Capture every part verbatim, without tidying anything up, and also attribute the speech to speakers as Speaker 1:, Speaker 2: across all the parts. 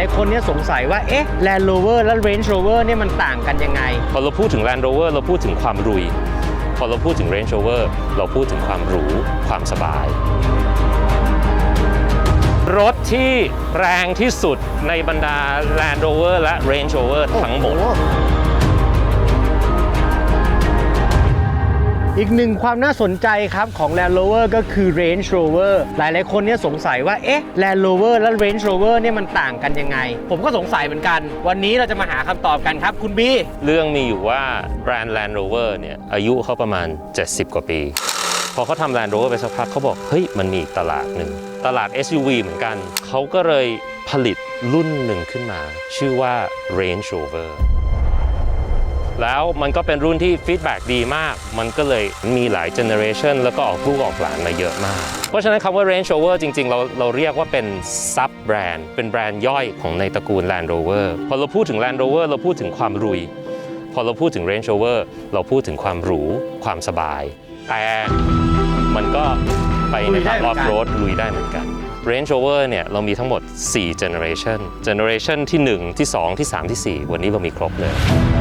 Speaker 1: ายๆคนเนี่ยสงสัยว่าเอ๊ะ Land Rover และ Range Rover เนี่ยมันต่างกันยังไง
Speaker 2: พอเราพูดถึง Land Rover เราพูดถึงความรุยพอเราพูดถึง Range Rover เราพูดถึงความหรูความสบายรถที่แรงที่สุดในบรรดา Land Rover และ Range Rover ทั้งหมด
Speaker 1: อีกหนึ่งความน่าสนใจครับของ Land Rover ก็คือ Range Rover หลายๆคนเนี่ยสงสัยว่าเอ๊ะ Land Rover และ Range Rover เนี่ยมันต่างกันยังไงผมก็สงสัยเหมือนกันวันนี้เราจะมาหาคำตอบกันครับคุณบี
Speaker 2: เรื่องมีอยู่ว่าแบรนด์ Land Rover เนี่ยอายุเขาประมาณเจ็ดสิบกว่าปีพอเขาทำ Land Rover ไปสักพักเขาบอกเฮ้ยมันมีอีกตลาดหนึ่งตลาด เอส ยู วี เหมือนกันเขาก็เลยผลิตรุ่นหนึ่งขึ้นมาชื่อว่า Range Roverแล้วมันก็เป็นรุ่นที่ฟีดแบ็กดีมากมันก็เลยมีหลายเจเนอเรชันแล้วก็ออกลูกออกหลานมาเยอะมากเพราะฉะนั้นคำว่า Range Rover จริงๆเราเราเรียกว่าเป็นซับแบรนด์เป็นแบรนด์ย่อยของในตระกูล Land Rover พอเราพูดถึง Land Rover เราพูดถึงความรุยพอเราพูดถึง Range Rover เราพูดถึงความหรูความสบายแต่มันก็ไปในทางออฟโรดลุยได้เหมือนกัน Range Rover เนี่ยเรามีทั้งหมดสี่ Generation Generation ที่หนึ่งที่สองที่สามที่สี่วันนี้เรามีครบเลย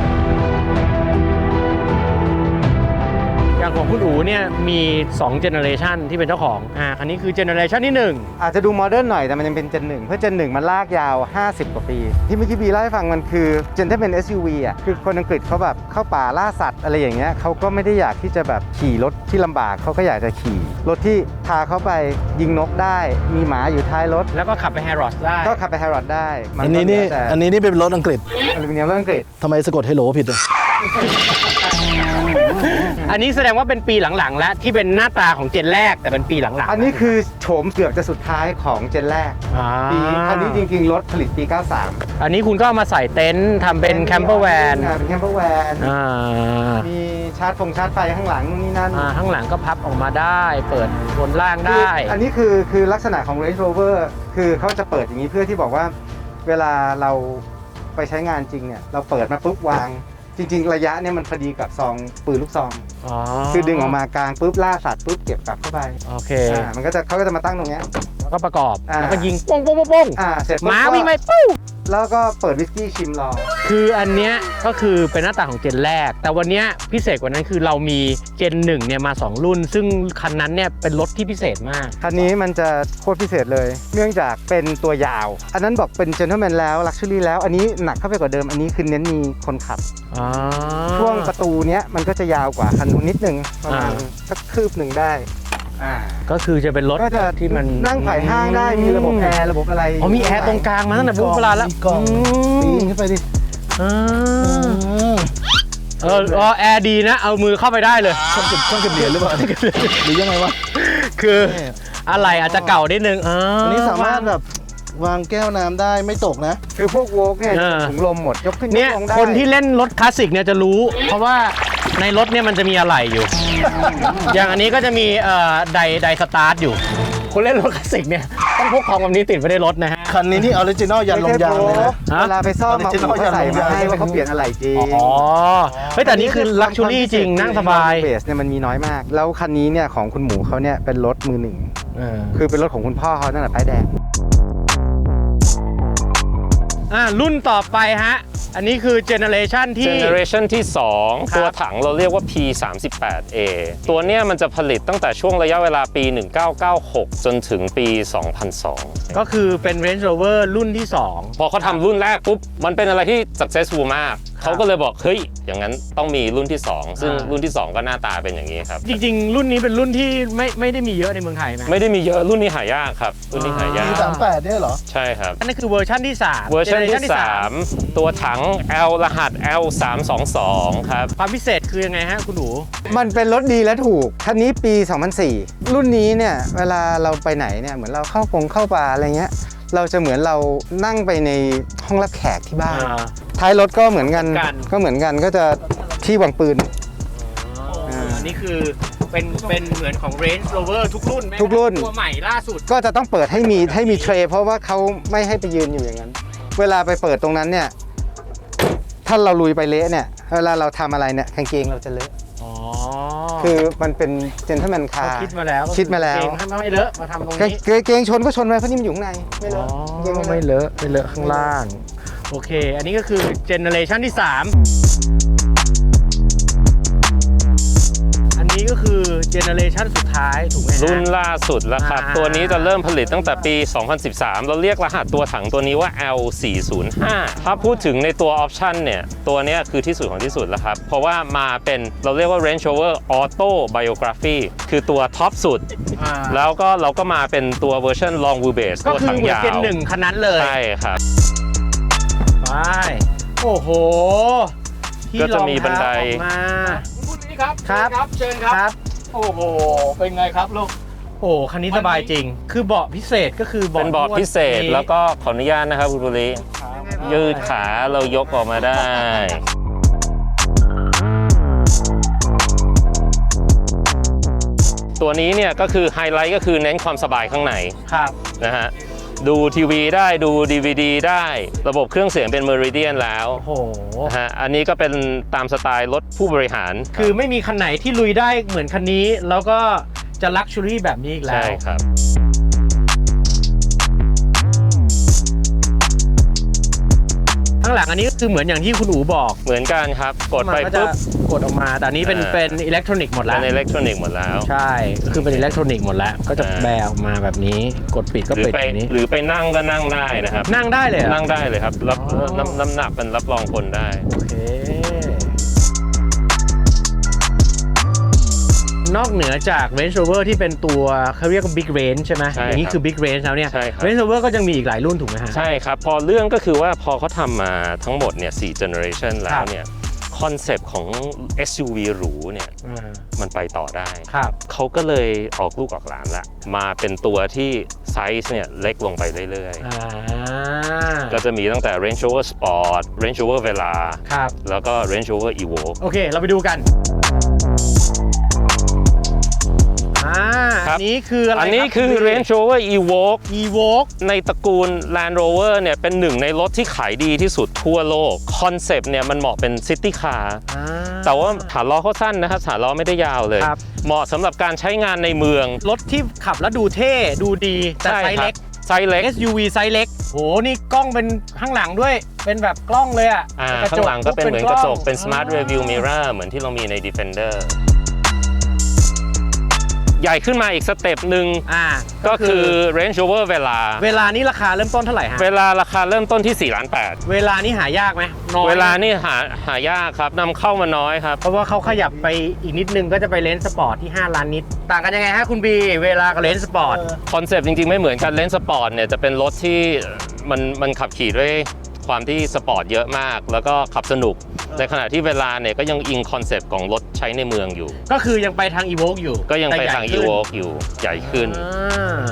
Speaker 1: อย่างของคุณอู๋เนี่ยมีสอง generation ที่เป็นเจ้าของอ่าคันนี้คือ generation ที่หนึ่ง
Speaker 3: อาจจะดูโมเดิร์นหน่อยแต่มันยังเป็น Gen หนึ่งเพราะ Gen หนึ่งมันลากยาวห้าสิบกว่าปีที่เมื่อกี้บีเล่าให้ฟังมันคือ Gen ที่เป็น เอส ยู วี อ่ะคือคนอังกฤษเขาแบบเข้าป่าล่าสัตว์อะไรอย่างเงี้ยเขาก็ไม่ได้อยากที่จะแบบขี่รถที่ลำบากเขาก็อยากจะขี่รถที่พาเขาไปยิงนกได้มีหมาอยู่ท้ายรถ
Speaker 1: แล้วก็ขับไปแฮร์รอดได้
Speaker 3: ก็ขับไปแฮร์รอดได้
Speaker 4: อันนี้นี่อันนี้นี่เป็นรถอังกฤษ
Speaker 3: อลูมิเนียมรถอังกฤษ
Speaker 4: ทำไมสะกดเฮโลผิดอ่ะ
Speaker 1: อันนี้แสดงว่าเป็นปีหลังๆแล้วที่เป็นหน้าตาของเจนแรกแต่เป็นปีหลังๆ
Speaker 3: อันนี้คือโฉมเกือบจะสุดท้ายของเจนแรกปีอันนี้จริงๆรถผลิตปีเก้าสิบสาม
Speaker 1: อันนี้คุณก็มาใส่เต็นท์ทำเป็นแคมเปอร์แวน
Speaker 3: เป็นแคมเปอร์แวนมีชาร์จฟงชาร์จไฟข้างหลังนี่นั่น
Speaker 1: ข้างหลังก็พับออกมาได้เปิดบนล่างได้
Speaker 3: อันนี้คือคือลักษณะของ Range Rover คือเขาจะเปิดอย่างนี้เพื่อที่บอกว่าเวลาเราไปใช้งานจริงเนี่ยเราเปิดมาปุ๊บวางจริงๆระยะเนี่ยมันพอดีกับซองปืนลูกซองคือดึงออกมากลางปุ๊บล่าสัตว์ปุ๊บเก็บกลับเข้าไป
Speaker 1: โอเค
Speaker 3: มันก็จะเขาก็จะมาตั้งตรงนี้
Speaker 1: แล้วก็ประกอบแล้วก็ยิงป้งป้งป้ง
Speaker 3: อ่าเสร็จ
Speaker 1: ม้าวิ่งไปปุ๊บ
Speaker 3: แล้วก็เปิดวิสกี้ชิมรอ
Speaker 1: คืออันเนี้ยก็คือเป็นหน้าตาของเจนแรกแต่วันนี้พิเศษกว่านั้นคือเรามีเจนหนึ่งเนี่ยมาสองรุ่นซึ่งคันนั้นเนี่ยเป็นรถที่พิเศษมาก
Speaker 3: คันนี้มันจะโคตรพิเศษเลยเนื่องจากเป็นตัวยาวอันนั้นบอกเป็นเจนเทลแมนแล้วลักชัวรี่แล้วอันนี้หนักเข้าไปกว่าเดิมอันนี้คือเน้นมีคนขับช่วงประตูเนี้ยมันก็จะยาวกว่าคันนู้นนิดนึงประมาณสักคืบหนึ่งได้
Speaker 1: ก็คือจะเป็นรถที่มัน
Speaker 3: นั่งไผ่ห้างได้มีระบบแอร์ระบบอะไร
Speaker 1: อ๋อมีแอร์ตรงกลางมาตั้งแต่โบราณแล้ว
Speaker 4: กล่องปีนขึ้นไปดิ
Speaker 1: เออเออแอร์ดีนะเอามือเข้าไปได้เลย
Speaker 4: ช่องเก็บช่องเก็บเหรียญหรือเปล่าหรือยังไงวะ
Speaker 1: คืออะไรอาจจะเก่านิดนึง
Speaker 4: อันนี้สามารถแบบวางแก้วน้ำได้ไม่ตกนะ
Speaker 3: คือพวกโวล์กเนี่ยถุงลมหมดยกขึ้น
Speaker 1: เนี่ยคนที่เล่นรถคลาสสิกเนี่ยจะรู้เพราะว่าในรถเนี่ยมันจะมีอะไรอยู่อย่างอันนี้ก็จะมีเอ่อไดไดสตาร์ทอยู่คนเล่นรถคลาสสิกเนี่ยต้องพกของแบบนี้ติดไว้ในรถนะฮะ
Speaker 4: คันนี้นี่ออริจินอลยันลงยางเลยนะ
Speaker 3: เวลาไปซ่อมมาเขาใส่มาให้ว่าเขาเปลี่ยนอะไรจริง
Speaker 1: อ๋อเฮ้ยแต่นี่คือลักชัวรี่จริงนั่งสบาย
Speaker 3: เบสเนี่ยมันมีน้อยมากแล้วคันนี้เนี่ยของคุณหมูเขาเนี่ยเป็นรถมือหนึ่งคือเป็นรถของคุณพ่อเขาตั้งแต่ป้ายแดง
Speaker 1: อ่ารุ่นต่อไปฮะอันนี้คือเจเนอเรชันที่
Speaker 2: Generation ที่สองตัวถังเราเรียกว่า พี สามสิบแปด เอ ตัวเนี้ยมันจะผลิตตั้งแต่ช่วงระยะเวลาปีหนึ่งเก้าเก้าหกจนถึงปีสองพันสอง
Speaker 1: ก็คือเป็น Range Rover รุ่นที่สอง
Speaker 2: พอเขาทำรุ่นแรกปุ๊บมันเป็นอะไรที่ successful มากเขาก็เลยบอกเฮ้ยอย่างนั้นต้องมีรุ่นที่สองซึ่งรุ่นที่สองก็หน้าตาเป็นอย่างนี้ครับ
Speaker 1: จริงๆรุ่นนี้เป็นรุ่นที่ไม่ไม่ได้มีเยอะในเมืองไทยนะ
Speaker 2: ไม่ได้มีเยอะรุ่นนี้หายากครับรุ่นนี้หายาก
Speaker 4: พี สามสิบแปดเนี่ยเหรอ
Speaker 2: ใช่ครับ
Speaker 1: อันนี้คือเวอร์ชันที่สาม
Speaker 2: เวอร์ชันที่สามตัวถัง L รหัส แอล สามสองสอง ครับ
Speaker 1: ความพิเศษคือยังไงฮะคุณหนู
Speaker 3: มันเป็นรถดีและถูกคันนี้ปีสองพันสี่รุ่นนี้เนี่ยเวลาเราไปไหนเนี่ยเหมือนเราเข้าปงเข้าป่าอะไรเงี้ยเราจะเหมือนเรานั่งไปในห้องรับแขกที่บ้านท้ายรถก็เหมือนกันก็เหมือนกันก็จะที่วางปืน
Speaker 1: อันนี้คือเป็นเป็นเหมือนของ Range Rover ทุกรุ่น
Speaker 3: ทุกรุ่น
Speaker 1: ตัวใหม่ล่าสุด
Speaker 3: ก็จะต้องเปิดให้มีให้มีเทรย์เพราะว่าเขาไม่ให้ไปยืนอยู่อย่างนั้นเวลาไปเปิดตรงนั้นเนี่ยถ้าเราลุยไปเละเนี่ยเวลาเราทำอะไรเนี่ยกางเกงเราจะเลอะคือมันเป็นเจนเทอร์แมนคา
Speaker 1: เขา
Speaker 3: ร์
Speaker 1: คิดมาแล้ว
Speaker 3: คิดมาแล้ว
Speaker 1: เกงให้ไม่เลอะมาทำตรง
Speaker 3: เก
Speaker 1: นี้
Speaker 3: เกเกงชนก็ชนไปเพราะนี่มันอยู่ข้างในไม่เล
Speaker 1: อ๋
Speaker 3: อะ
Speaker 1: อ
Speaker 3: เกง
Speaker 1: ไม่เลอะไม่เลอะข้างล่าง โอเค อันนี้ก็คือเจเนอเรชันที่สามอันนี้ก็คือเจเนอเรชันสุดท้ายถูกไหมฮะ
Speaker 2: รุ่นล่าสุดแล้วครับ
Speaker 1: อ่า
Speaker 2: ตัวนี้จะเริ่มผลิตตั้งแต่ปี สองพันสิบสาม เราเรียกรหัสตัวถังตัวนี้ว่า แอล สี่ศูนย์ห้า ถ้าพูดถึงในตัวออปชันเนี่ย ตัวเนี้ยคือที่สุดของที่สุดแล้วครับ เพราะว่ามาเป็นเราเรียกว่า Range Rover Auto Biography คือตัวท็อปสุด
Speaker 1: อ่า
Speaker 2: แล้วก็เราก็มาเป็นตัวเวอร์ชัน Long Wheelbase
Speaker 1: ก็
Speaker 2: ตัว
Speaker 1: คือ
Speaker 2: ถัง
Speaker 1: เหมือน
Speaker 2: ยาว
Speaker 1: เจนหนึ่งคันนั้นเลย
Speaker 2: ใช่ครับ
Speaker 1: ไปโอ้โหที่
Speaker 2: ก็จะมีบันได
Speaker 1: รองเท้าออกมา
Speaker 5: คุณนี้ครับ
Speaker 1: ครับ
Speaker 5: เชิญครับ
Speaker 1: ครับ
Speaker 5: โอ้โห เป็นไงครับลูก
Speaker 1: โอ้คันนี้สบายจริง คือเบาะพิเศษก็คือ
Speaker 2: เป็นเบาะพิเศษ
Speaker 1: นวด
Speaker 2: แล้วก็ขออนุญาตนะครับคุณบุรียืดขาเรายกออกมาได้ ตัวนี้เนี่ยก็คือไฮไลท์ก็คือเน้นความสบายข้างใน
Speaker 1: ครับ
Speaker 2: นะฮะดูทีวีได้ดู ดี วี ดี ได้ระบบเครื่องเสียงเป็น Meridian แล้ว
Speaker 1: โอ้โห
Speaker 2: นะฮะอันนี้ก็เป็นตามสไตล์รถผู้บริหาร
Speaker 1: คือไม่มีคันไหนที่ลุยได้เหมือนคันนี้ แล้วก็จะลักชัวรี่แบบนี้อีกแล้
Speaker 2: ใช่
Speaker 1: ว
Speaker 2: ครับ
Speaker 1: ข้างหลังอันนี้ก็คือเหมือนอย่างที่คุณอู๋บอก
Speaker 2: เหมือนกันครับกดไป
Speaker 1: มันก็จะ
Speaker 2: ปุ๊บ
Speaker 1: กดออกมา แต่อันนี้เป็น
Speaker 2: อ่า
Speaker 1: เป็นอิเล็กทรอนิกส์หมดแล้
Speaker 2: เป็
Speaker 1: วน
Speaker 2: อิเล็กทรอนิกส์หมดแล้ว
Speaker 1: ใช่ก็คือเป็นอิเล็กทรอนิกส์หมดแล้ว ก็จะ
Speaker 2: อ่า
Speaker 1: แบออกมาแบบนี้ กดปิดก็
Speaker 2: หรือ
Speaker 1: ปิด
Speaker 2: ไป
Speaker 1: แบบนี้
Speaker 2: หรือไปนั่งก็นั่งได้นะครับ
Speaker 1: นั่งได้เลยเหรอ
Speaker 2: นั่งได้เลยครับรับ
Speaker 1: อ๋อ
Speaker 2: น้ำน้ำหนักเป็นรับรองคนได้
Speaker 1: โอเค นอกเหนือจาก Range Rover ที่เป็นตัวเขาเรียกว่า Big Range ใช่ไหม
Speaker 2: ใช่
Speaker 1: อย่างนี้
Speaker 2: ครับ
Speaker 1: คือ Big Range แล้วเนี่ย
Speaker 2: ใช่ครับ
Speaker 1: Range Rover ก็ยังมีอีกหลายรุ่นถูกไหมฮะ
Speaker 2: ใช่ครับ พอเรื่องก็คือว่าพอเขาทำมาทั้งหมดเนี่ยสี่ generation แล้
Speaker 1: ครั
Speaker 2: ว
Speaker 1: บ
Speaker 2: เนี่ยคอนเซปต์ของ เอส ยู วี หรูเนี่ย
Speaker 1: อ่า
Speaker 2: มันไปต่อได้
Speaker 1: ครับ
Speaker 2: เขาก็เลยออกลูกออกหลานละมาเป็นตัวที่ไซส์เนี่ยเล็กลงไปเรื่อย
Speaker 1: อ่า
Speaker 2: ๆ ก็จะมีตั้งแต่ Range Rover Sport Range Rover Vela
Speaker 1: ครับ
Speaker 2: แล้วก็ Range Rover Evoque
Speaker 1: โอเค เราไปดูกัน อ่า
Speaker 2: ครั
Speaker 1: อั
Speaker 2: บ
Speaker 1: นนี้คืออะไร
Speaker 2: อันนี้
Speaker 1: รับ
Speaker 2: คือ Range Rover Evoque
Speaker 1: Evoque
Speaker 2: ในตระกูล Land Rover เนี่ยเป็นหนึ่งในรถที่ขายดีที่สุดทั่วโลก คอนเซปต์เนี่ยมันเหมาะเป็นซิตี้คาร์
Speaker 1: อ่า
Speaker 2: แต่ว่าฐานล้อเขาสั้นนะครับฐานล้อไม่ได้ยาวเลย
Speaker 1: ครับ
Speaker 2: เหมาะสำหรับการใช้งานในเมือง
Speaker 1: รถที่ขับแล้วดูเท่ ดูดี แต่ไซส์เล็ก
Speaker 2: ไซส์เล็ก
Speaker 1: เอส ยู วี ไซส์เล็กโห นี่กล้องเป็นข้างหลังด้วย เป็นแบบกล้องเลยอ่ะ
Speaker 2: อ่า
Speaker 1: ระจ
Speaker 2: ข้างหลังก็เป็นเหมือนกระจกเป็น
Speaker 1: ล้อง
Speaker 2: smart review mirror เหมือนที่เรามีใน Defender ใหญ่ขึ้นมาอีกสเต็ปหนึ่ง
Speaker 1: อ่า
Speaker 2: ก็คือ Range Rover Vela
Speaker 1: เวลานี้ราคาเริ่มต้นเท่าไหร่ฮะ
Speaker 2: เวลาราคาเริ่มต้นที่สี่ล้านแปด
Speaker 1: เวลานี้หายากไหมน้อย
Speaker 2: เวลานี่หาหายากครับนำเข้ามาน้อยครับ
Speaker 1: เพราะว่าเขาขยับไปอีกนิดนึงก็จะไปเลนส์สปอร์ตที่ห้าล้านนิด ต่างกันยังไงฮะคุณบี เวลากับเลนส์สปอร์ต
Speaker 2: คอนเซปต์จริงๆไม่เหมือนกันเลนส์สปอร์ตเนี่ยจะเป็นรถที่มันมันขับขี่ด้วยความที่สปอร์ตเยอะมาก แล้วก็ขับสนุก ในขณะที่เวลาเนี่ยก็ยังอิงคอนเซปต์ของรถใช้ในเมืองอยู่
Speaker 1: ก็คือยังไปทาง Evoque อยู่
Speaker 2: ก็ยังไป
Speaker 1: แต่ใหญ่
Speaker 2: ทาง
Speaker 1: ขึ้น
Speaker 2: Evoque อยู่ใหญ่ขึ้น
Speaker 1: อ่า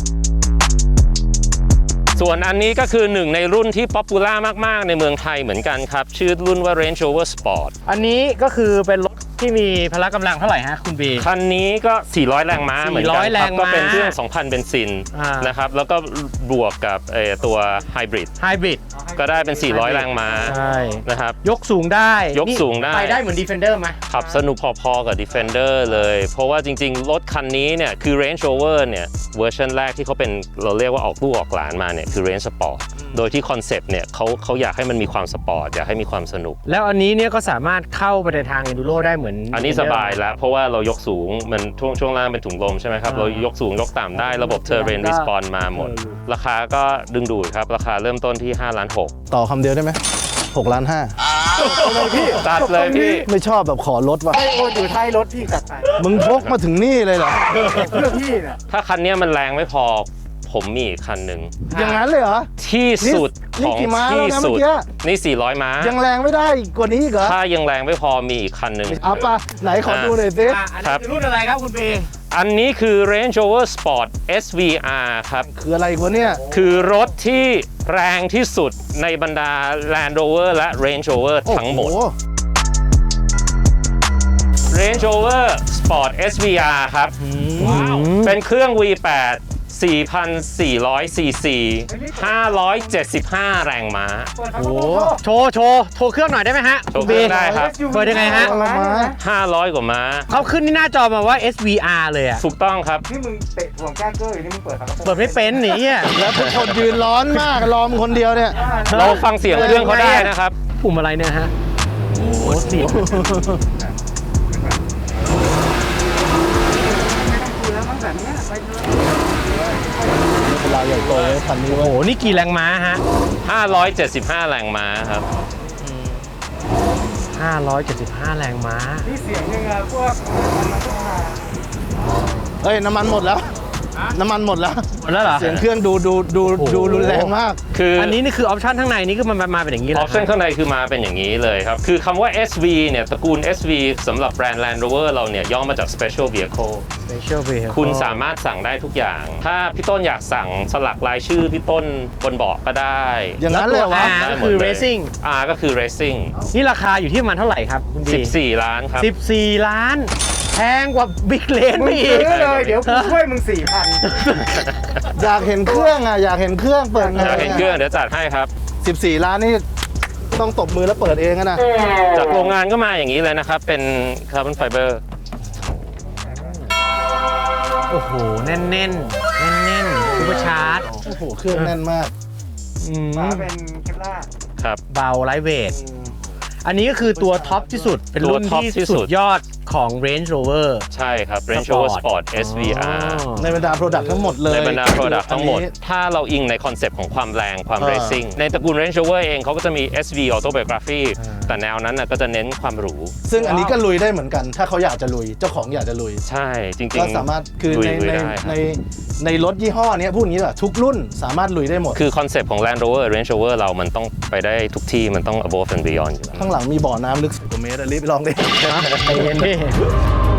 Speaker 2: ส่วนอันนี้ก็คือหนึ่งในรุ่นที่ป๊อปปูล่ามากๆในเมืองไทยเหมือนกันครับ ชื่อรุ่นว่า Range Rover Sport
Speaker 1: อันนี้ก็คือเป็นรถที่มีพละกำลังเท่าไหร่ฮะคุณบี
Speaker 2: คันนี้ก็ สี่ร้อย แรงม้าเหมือนกัน
Speaker 1: สี่ร้อย
Speaker 2: ค
Speaker 1: แร
Speaker 2: รับ
Speaker 1: งม้า
Speaker 2: ก็เป็นเครื่อง สองพัน เบนซิน
Speaker 1: อ่าน
Speaker 2: นะครับแล้วก็บวกกับเอ่อตัวไฮบริด
Speaker 1: ไฮบริด
Speaker 2: ก็ได้เป็น สี่ร้อย แรงม้า
Speaker 1: ใช่
Speaker 2: นะครับ
Speaker 1: ยกสูงได้
Speaker 2: ยกสูงได้
Speaker 1: นี่ไปได้เหมือน Defender ไหม
Speaker 2: ขับสนุกพอๆกับ Defender เลย เพราะว่าจริงๆ รถคันนี้เนี่ยคือ Range Rover เนี่ยเวอร์ชันแรกที่เขาเป็นเราเรียกว่าออกลูกออกหลานมาเนี่ยคือ Range Sport โดยที่คอนเซปต์เนี่ยเขาเขาอยากให้มันมีความสปอร์ต อยากให้มีความสนุก
Speaker 1: แล้วอันนี้เนี่ยก็สามารถเข้าไปในทาง Enduro ได้เหมือน
Speaker 2: อันนี้สบายแล้ว เพราะว่าเรายกสูงมันช่วงช่วงล่างเป็นถุงลมใช่ไหมครับ
Speaker 1: อ่า
Speaker 2: เรายกสูงยกต่ำได้ระบบ Terrain Response มาหมด
Speaker 1: เออ
Speaker 2: ราคาก็ดึงดูดครับ ราคาเริ่มต้นที่ห้าล้านหก
Speaker 4: ต่อคำเดียวได้ไหมหกล้านห้า
Speaker 2: ตัดเลยพี่
Speaker 4: ไม่ชอบแบบขอลดว่ะ
Speaker 1: ให้โอนอยู่ท้ายรถพี่จัดไป
Speaker 4: มึงพกมาถึงนี่เลยเหรอ
Speaker 1: เพื่อพี่เนี่ย
Speaker 2: ถ้าคันเนี้ยมันแรงไม่พอผมมีอีกคันหนึ่ง
Speaker 4: อย่างนั้นเลยเหรอ
Speaker 2: ที่สุด
Speaker 4: นี่
Speaker 2: ของ
Speaker 4: กี่ม้า
Speaker 2: ที่
Speaker 4: แล้วนะ
Speaker 2: สุด
Speaker 4: เมื่อกี้
Speaker 2: นี่สี่ร้อยม้า
Speaker 4: ยังแรงไม่ได้อีกกว่านี้อีกเหรอ
Speaker 2: ถ้ายังแรงไม่พอมีอีกคันหนึ่ง
Speaker 4: เอาปะไหนขอดูหน่อยสิ
Speaker 1: อ่ะอัน
Speaker 2: ครั
Speaker 1: นี้
Speaker 2: บ
Speaker 1: คือรุ่นอะไรครับคุณบี
Speaker 2: อันนี้คือ Range Rover Sport เอส วี อาร์ ครับ
Speaker 4: คืออะไรวะเนี่ย
Speaker 2: คือรถที่แรงที่สุดในบรรดา Land Rover และ Range Rover ทั้งหมด
Speaker 4: โอ้โ
Speaker 2: Range Rover Sport เอส วี อาร์ ครับ เป็นเครื่อง วี แปดสี่พันสี่ร้อยซีซี ห้าร้อยเจ็ดสิบห้า แรงม้า
Speaker 1: โอ้โหโชว์โชว์โชว์เครื่องหน่อยได้ไหมฮะ
Speaker 2: โชว์เครื่องได้ครับ
Speaker 1: เปิดยังไงฮะ
Speaker 2: ห้าร้อยกว่าม้า
Speaker 1: เขาขึ้นที่หน้าจอมาว่า เอส วี อาร์ เลยอะ
Speaker 2: ถูกต้องครับ
Speaker 3: นี่มึงเตะห่วงแก้เกอร์อยู่นี่มึงเปิดฝากระโปรง
Speaker 1: เปิดไม่เป็นหนีอ่ะ
Speaker 4: แล้วทุกคนยืนร้อนมากรอมคนเดียวเนี่ย
Speaker 2: เราฟังเสียงเครื่องเขาได้นะครับ
Speaker 1: ปุ่มอะไรเนี่ยฮะ โอ้โหเสียง
Speaker 3: คือแล้วมันแบบเนี้ยไปเลย
Speaker 4: เวลาใหญ่โตเลยพันนี้
Speaker 1: โอ้
Speaker 4: เว้
Speaker 1: โห
Speaker 4: ย
Speaker 1: นี่กี่แรงม้าฮะ
Speaker 2: ห้าร้อยเจ็ดสิบห้า แรงม้าครับ
Speaker 1: ห้าร้อยเจ็ดสิบห้า แรงม้า
Speaker 3: นี่เสียงยังไงพวกมันต้องมา
Speaker 4: เฮ้ยน้ำมันหมดแล้ว น้ำมันหมดแล้ว
Speaker 1: หมดแล้วเหรอ
Speaker 4: เสียงเครื่องดูดูดู
Speaker 1: โอ้โห
Speaker 4: ดูรุนแรงมาก
Speaker 2: คืออั
Speaker 1: อันนี้นี่คือออปชั่นข้างในนี่คือมันมาเป็นอย่างนี้
Speaker 2: อ
Speaker 1: เล
Speaker 2: อย ปชั่นข้างในคือมาเป็นอย่างนี้เลยครับ คือคำว่า เอส วี เนี่ยตระกูล เอส วี สำหรับแบรนด์ Land Rover เราเนี่ยย่อมาจาก Special Vehicle
Speaker 1: Special Vehicle
Speaker 2: คุณสามารถสั่งได้ทุกอย่าง ถ้าพี่ต้นอยากสั่งสลักรายชื่อพี่ต้นบนเบาะก็ได้
Speaker 4: อย่างนั้น
Speaker 1: แล้
Speaker 4: เล
Speaker 1: วย ตัว
Speaker 4: วะ
Speaker 1: R
Speaker 2: ได้
Speaker 1: ก็
Speaker 2: หมด
Speaker 1: คือ
Speaker 2: เลย
Speaker 1: Racing
Speaker 2: R ก็คือ Racing
Speaker 1: นี่ราคาอยู่ที่ประมาณเท่าไหร่ครับคุณบี
Speaker 2: สิบสี่ ล้านครับ
Speaker 1: สิบสี่ล้าน แพงกว่าบิ๊กเลน
Speaker 3: มึ
Speaker 1: ไป
Speaker 3: ง
Speaker 1: อี
Speaker 3: ซื้
Speaker 1: ก
Speaker 3: อเลยเดี๋ยวกูช่วยมึงสี่พัน
Speaker 4: อยากเห็นเครื่องอ่ะอยากเห็นเครื่องเปิดไง
Speaker 2: อยากเห็นเครื่องเดี๋ยวจัดให้ครับ
Speaker 4: สิบสี่ล้านนี่ต้องตบมือแล้วเปิดเองอะนะ
Speaker 2: จากโรงงานก็มาอย่างนี้เลยนะครับ เป็นคาร์บอนไฟเบอร์
Speaker 1: โอ้โห แน่นแน่นแน่นแน่นๆซูเปอร์ชาร์จ
Speaker 4: โอ้โหเครื่องแน่นมาก
Speaker 1: อืม
Speaker 3: ฝาเป็นเคปล่า
Speaker 2: ครับ
Speaker 1: เบาไลท์เวท อันนี้ก็คือตัวท็อปที่สุด เป็นรุ่น
Speaker 2: ตัวท็อป
Speaker 1: ที่
Speaker 2: ที่สุ
Speaker 1: สุ
Speaker 2: ด
Speaker 1: ดยอดของ Range Rover
Speaker 2: ใช่ครับ Range Rover Sport เอส วี อาร์
Speaker 1: อ๋อ
Speaker 4: ในบรรดาโปรดักต์ทั้งหมดเลย
Speaker 2: ในบรรดา Product ทั้งหมด
Speaker 4: อันนี้
Speaker 2: ถ้าเราอิงในคอนเซปต์ของความแรงความ
Speaker 4: อ่า
Speaker 2: Racing ในตระกูล Range Rover เองเขาก็จะมี เอส วี Autobiography แต่แนวนั้นน่ะก็จะเน้นความหรู
Speaker 4: ซึ่งอันนี้ก็ลุยได้เหมือนกัน ถ้าเขาอยากจะลุย เจ้าของอยากจะลุย
Speaker 2: ใช่จริงๆ
Speaker 4: ก็สามารถคือ
Speaker 2: ลุย
Speaker 4: ใน
Speaker 2: ลุย
Speaker 4: ใน
Speaker 2: ได้ครับ
Speaker 4: ในในรถยี่ห้อเนี้ยพูดอย่างนี้แหละทุกรุ่นสามารถลุยได้หมด
Speaker 2: คือคอนเซปต์ของ Land Rover Range Rover เรามันต้องไปได้ทุกที่มันต้อง above and beyond อยู่แล้ว
Speaker 4: ข้างหลังมีบ่อน้ำลึกสิบกว่าเมตรอะรีบไปลองดิ
Speaker 1: ใจเย็นดิ